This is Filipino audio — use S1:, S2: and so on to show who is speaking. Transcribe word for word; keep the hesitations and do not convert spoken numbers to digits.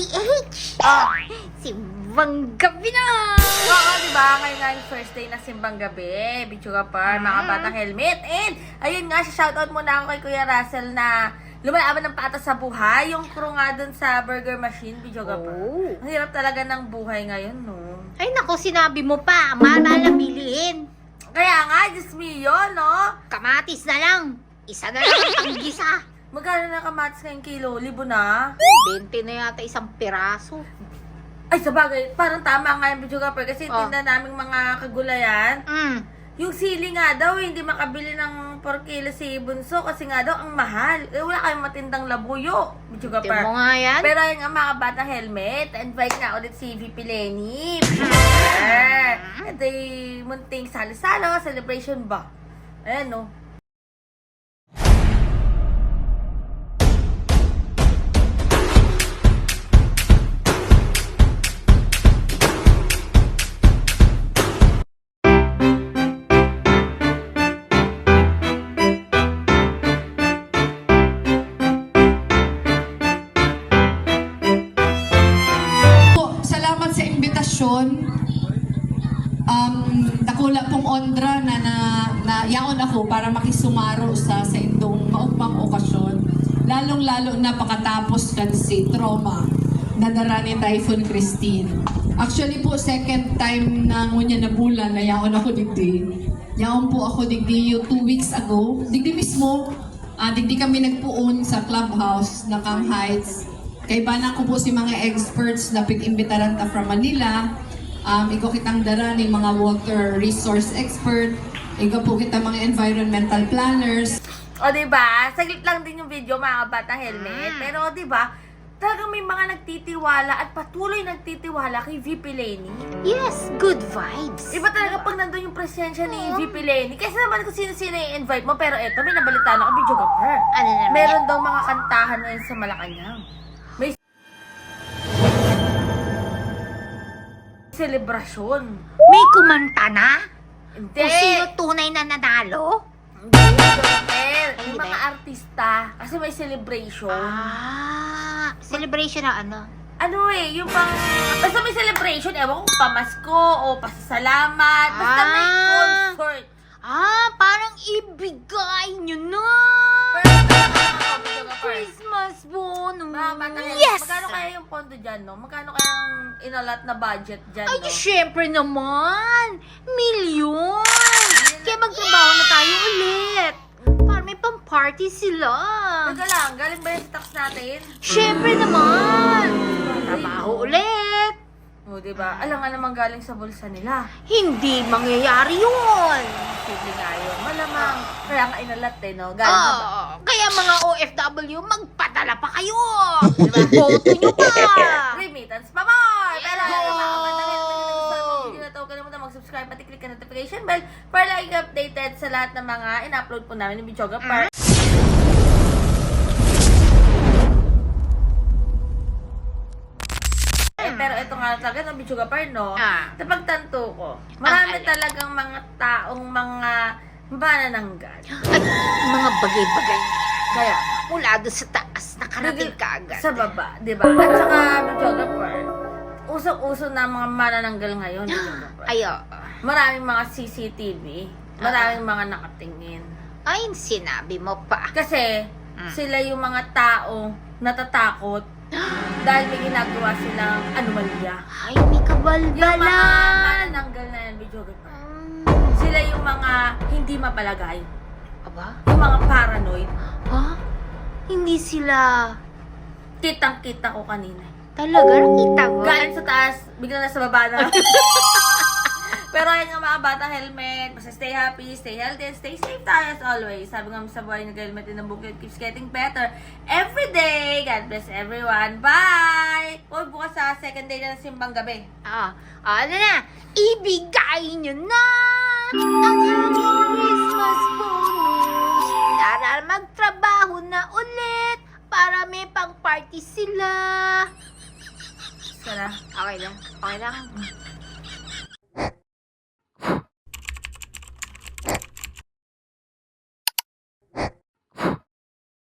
S1: H!
S2: Oh,
S1: Simbang gabi na!
S2: oo, diba? Ngayon nga yung first day na simbang gabi. Bichuga par, mga
S1: Mm.
S2: batang helmet. And, ayun nga, shoutout muna ako kay Kuya Russell na lumalaban ng patas sa buhay. Yung crew nga dun sa burger machine, Bichuga par.
S1: Oh.
S2: Ang hirap talaga ng buhay ngayon, no?
S1: Ay naku, sinabi mo pa, mahal-mahal na bilihin.
S2: Kaya nga, Diyos mio, no?
S1: Kamatis na lang. Isa na lang ang panggisa.
S2: Magkano na kamatis ngayong kilo? Libo na?
S1: bente na yata isang piraso.
S2: Ay, sabagay, parang tama nga yung Bichuga par. Kasi
S1: Oh.
S2: tinda naming mga kagulayan.
S1: Mm.
S2: Yung sili nga daw, hindi makabili ng four kilo si Bunso kasi nga daw ang mahal. Eh, wala kayong matindang labuyo. Bichuga
S1: Tingnan mo
S2: par.
S1: nga yan.
S2: Pero yun nga mga bata helmet, invite nga ulit si V P Lenny. Ito yung munting salo-salo, celebration ba? Ayan, no?
S3: Po, salamat sa imbitasyon. Um, dakula pong ondra na, na, na yaon ako para makisumaro sa sa indong maugmang okasyon. Lalong-lalo na pakatapos kan si trauma na dara ni Typhoon Christine. Actually po, second time na ngunya na bulan na yaon ako digdi. Yaon po ako digdi yung two weeks ago. Digdi mismo, ah, digdi kami nagpuon sa clubhouse na Cam Heights. Kay bana ko po si mga experts na pig-imbitaran ta from Manila. Um, ikaw kitang dara ni mga water resource expert. Ikaw po kita mga environmental planners.
S2: O, diba? Saglit lang din yung video, mga bata helmet. Pero, diba? Talagang may mga nagtitiwala at patuloy nagtitiwala kay V P Lenny.
S1: Yes, good vibes.
S2: Iba talaga pag nandun yung presensya ni V P Lenny. Kasi naman kung sino-sino yung invite mo. Pero eto, may nabalitaan ako, video ka per.
S1: Ano naman
S2: Meron daw mga kantahan ngayon sa Malacanang. May selebrasyon.
S1: May kumanta na?
S2: Hindi.
S1: Kung sino tunay na nanalo?
S2: Hindi, Joker. Yung
S1: Hindi.
S2: mga artista. Kasi may celebration.
S1: Ah, celebration na ano?
S2: Ano eh, yung pang... Basta may celebration. Ewan ko, pamasko o pasasalamat. Basta may
S1: Ah.
S2: concert.
S1: Ah, parang ibigay nyo na!
S2: Pero, ano, video ka per.
S1: Christmas bonus!
S2: Mga bata helmet,
S1: Yes!
S2: magkano kaya yung pondo dyan, no? Magkano kaya ang inalat na budget dyan,
S1: Ay,
S2: no?
S1: syempre naman! Milyon! Kaya magtrabaho na tayo ulit! Para may pang-party sila!
S2: Teka lang, galing ba yung stocks natin?
S1: Syempre naman! Trabaho ulit!
S2: O, diba? Alam nga naman galing sa bulsa nila.
S1: Hindi mangyayari yun!
S2: Sige nga yun. Malamang. Kaya nga inalat eh, no? Galing sa ba?
S1: Oh, kaya mga O F W, magpadala pa kayo! Boto nyo pa!
S2: Remittance pa more! Pero,
S1: Yes!
S2: ayun, mga kapatid, kung nagustuhan mo ang video na ito, huwag kalimutan mag-subscribe at i-click ang notification bell para lagi ka updated sa lahat ng mga in-upload po namin ng Bichoga Par. Eh, pero ito nga talaga ng Bichoga Par, no?
S1: Ah.
S2: Napagtanto ko, marami
S1: alin?
S2: talagang mga taong mga manananggal.
S1: Ay, mga bagay-bagay
S2: Kaya,
S1: mula doon sa taas, nakarating ka agad.
S2: sa baba, di ba? At saka, Bichoga Par, usok-uso na mga manananggal ngayon, Bichoga Par.
S1: Ay, oo.
S2: Maraming mga C C T V, maraming mga nakatingin.
S1: Ay, sinabi mo pa.
S2: Kasi,
S1: Mm.
S2: sila yung mga tao natatakot dahil may ginagawa silang anomalya.
S1: Ay, may
S2: Yung mga
S1: kabalbalan.
S2: manananggal na yan, Bichoga Par.
S1: Um,
S2: Sila yung mga hindi mapalagay.
S1: aba?
S2: Yung mga paranoid.
S1: Ha? Hindi sila...
S2: Kitang-kita ko kanina.
S1: Talaga? Nakita mo?
S2: Galing sa taas, bigla na sa baba na. Pero ayun nga mga batang helmet, basta stay happy, stay healthy, and stay safe tayo as always. Sabi nga sa buhay, nag-helmet din ang bukid keeps getting better every day. God bless everyone. Bye! Huwag bukas sa second day na ng simbang gabi.
S1: Ah, ano na? Ibigay nyo na ang aming Christmas bonus. Tara, magtrabaho na ulit para may pang-party sila.
S2: Sana.
S1: Okay lang? Okay lang?